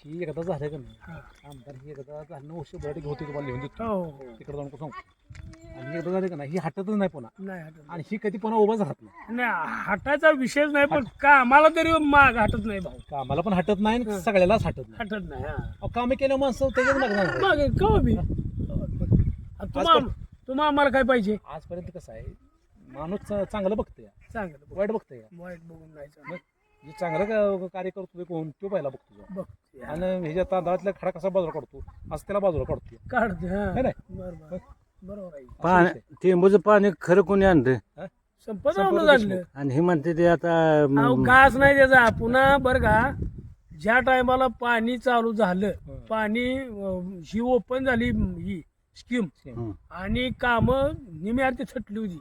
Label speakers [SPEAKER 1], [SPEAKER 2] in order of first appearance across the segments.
[SPEAKER 1] ही एकदा झालं का नाही आमदार ही एकदा झालं 900 होती तुम्हाला लिहून देतो
[SPEAKER 2] हो
[SPEAKER 1] तिकडे जाऊन सांगू आणि ही एकदा झालं का नाही ही हटतच नाही पुन्हा
[SPEAKER 2] नाही हटत
[SPEAKER 1] आणि ही कधी पुन्हा उभाच राहत नाही
[SPEAKER 2] नाही हटायचा विषयच नाही पण का आम्हाला तरी माग हटत नाही भाऊ
[SPEAKER 1] कामाला पण हटत नाही आणि सगळ्यालाच हटत नाही
[SPEAKER 2] हटत नाही हा
[SPEAKER 1] कामे केल्या माणसं त्याच्यात लागणार
[SPEAKER 2] मागे कवा बी तुम्हा आम्हाला काय पाहिजे
[SPEAKER 1] आजपर्यंत कसं आहे माणूस चांगलं बघतोय
[SPEAKER 2] चांगलं
[SPEAKER 1] वाईट बघतोय
[SPEAKER 2] वाईट बघून जायचं
[SPEAKER 1] मग जे चांगलं कार्य करतो कोण तो पहिला बघतो
[SPEAKER 2] बघ
[SPEAKER 1] आणि ह्याच्या तांदळातला खडा कसा बाजूला काढतो असं त्याला बाजूला काढतो
[SPEAKER 2] काढते हा
[SPEAKER 1] है नाही?
[SPEAKER 2] बरोबर बरोबर आहे
[SPEAKER 3] पाणी टेंबूचं पाणी खरं कोणी आणलं
[SPEAKER 2] संपत आणलं
[SPEAKER 3] आणि हे म्हणते ते आता
[SPEAKER 2] अहो घास नाही त्याचा पुन्हा बरं का ज्या टायमाला पाणी चालू झालं पाणी ही ओपन झाली ही स्कीम आणि काम निम्यार्थी थटली होती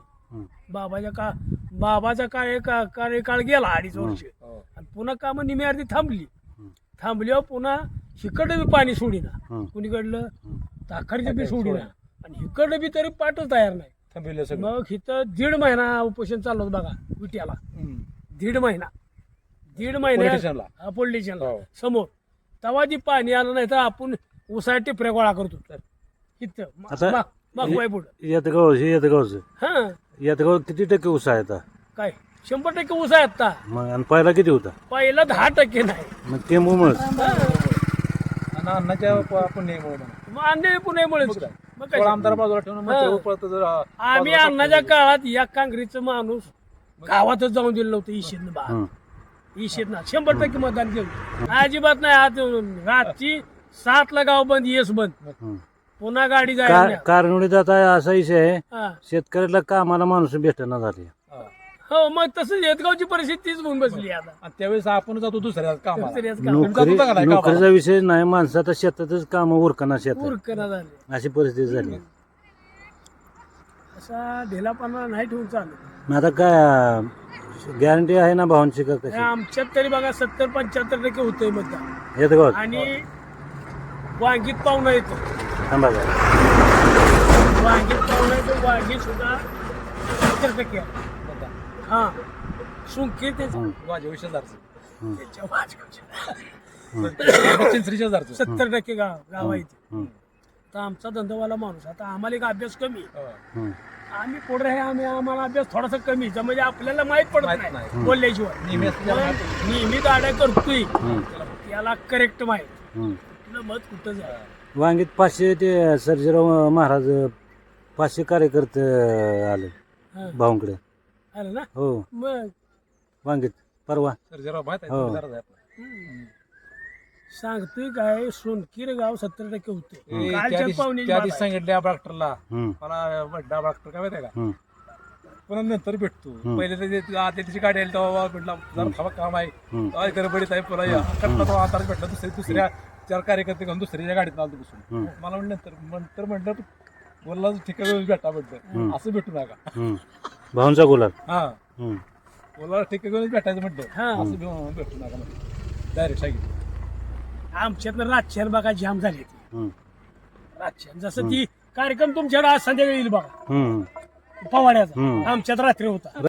[SPEAKER 2] बाबाचा कार्यकाळ गेला 2.5 वर्ष आणि पुन्हा काम निम्यार्थी थांबल्यावर पुन्हा हिकडं बी पाणी सोडीना कुणीकडलं ताखरचं बी सोडीना आणि हिकडं बी तरी पाठच तयार नाही
[SPEAKER 1] थांबविलं सगळं
[SPEAKER 2] मग इथं 1.5 महिना उपोषण चाललं होतं बघा विट्याला 1.5 महिना पोलिटिशियनला समोर तेव्हा जी पाणी आलं नाही तर आपण उसाळ टिपऱ्या गोळा करतो इथं मागवाय पुढं
[SPEAKER 3] येतगावचं
[SPEAKER 2] हा
[SPEAKER 3] येतगाव किती टक्के ऊस आहे आता
[SPEAKER 2] काय 100% ऊस आहे आता
[SPEAKER 3] मग आणि पहिला किती होता
[SPEAKER 2] पहिला 10% नाही
[SPEAKER 3] मग टेंबूमुळेच
[SPEAKER 1] आणि अन्नाच्या पुण्यामुळे
[SPEAKER 2] मग अन्य पुण्यामुळे मग काय?
[SPEAKER 1] आमदार बाजूला ठेवून मग ते पळतं जर
[SPEAKER 2] आम्ही अन्नाच्या काळात या काँग्रेसचं माणूस गावातच जाऊन दिलं नव्हतं ईशेदना 100% मतदान केलं अजिबात नाही आज रात्री 7ला गाव बंद येस बंद पुन्हा गाडी जायला
[SPEAKER 3] कारणीत आता असा विषय आहे
[SPEAKER 2] हा.
[SPEAKER 3] शेतकऱ्याला कामाला माणूस भेटना झाली
[SPEAKER 2] हो मग तसं येतगावची परिस्थिती तीच होऊन बसली आता
[SPEAKER 1] आणि त्यावेळेस आपण जातो दुसऱ्या कामाला
[SPEAKER 2] दुसऱ्याच काम
[SPEAKER 3] नोकरीचा विषय नाही माणसं आता शेतातच काम उरकना शेतात
[SPEAKER 2] उरकना झाले
[SPEAKER 3] अशी परिस्थिती झाली
[SPEAKER 2] असा ढिलापणा नाही ठेवून चालत
[SPEAKER 3] मग आता काय गॅरंटी आहे ना भावांची का कशी
[SPEAKER 2] आमच्यात तरी बघा 70-75% होतंय मतदान
[SPEAKER 3] येतगावात
[SPEAKER 2] आणि वांगीत पाहुणा येतो
[SPEAKER 3] थांबा
[SPEAKER 2] वांगीत पाहुणा येतो वांगी सुद्धा 70% आहे. हा सुंकी त्याच्या
[SPEAKER 1] वाजवी शेजारचं
[SPEAKER 2] वाजगावच्या
[SPEAKER 1] चिंचरीच्या शेजारचं
[SPEAKER 2] 70% गाव आहे इथे. तर आमचा धंदावाला माणूस आता आम्हाला एक अभ्यास कमी आहे. आम्ही पुढे आहे आम्हाला अभ्यास थोडासा कमी आहे. म्हणजे आपल्याला माहित पडत नाही बोलल्याशिवाय नेहमी गाड्या करतोय त्याला करेक्ट माहित कुठलं मत कुठं जा
[SPEAKER 3] वांगीत 500 ते सर्जेराव महाराज 500 कार्यकर्ते आले भाऊंकडे
[SPEAKER 2] आलं ना
[SPEAKER 3] हो
[SPEAKER 2] मग
[SPEAKER 3] वांगीत परवा
[SPEAKER 1] सर्जेराव माहित
[SPEAKER 3] हो.
[SPEAKER 1] आहे
[SPEAKER 2] सांगतोय काय सोनकीर गाव 70% होते
[SPEAKER 1] त्या
[SPEAKER 2] कालच्या
[SPEAKER 1] दिवशी
[SPEAKER 2] पाहुणे
[SPEAKER 1] सांगितल्या डॉक्टरला
[SPEAKER 3] हम्म.
[SPEAKER 1] मला बड्डा डॉक्टर काय माहिती आहे का
[SPEAKER 3] हम्म.
[SPEAKER 1] पुन्हा नंतर भेटतो पहिले आदल्या दिवशी गाडी आली तेव्हा म्हटलं जरा थांबा काम आहे गडबडीत आहे पुन्हा या कटला तो आता भेटला दुसऱ्या 4 कार्यकर्ते घेऊन दुसऱ्याच्या गाडीत आलो बसून मला नंतर म्हटलं बोलला ठिकाणी भेटा म्हटलं असं भेटू नका
[SPEAKER 3] भाऊंचा गुलाल
[SPEAKER 1] हा बोला ठिकाणी भेटायचं म्हटलं असं भेटू नका म्हटलं डायरेक्ट सांगितलं
[SPEAKER 2] आमच्यातनं रातच्यान बघा जाम झाली ती रातच्यान जसं ती कार्यक्रम तुमच्याकडे आज संध्याकाळी येईल बघा पवाड्याचा आमच्यात रात्री होता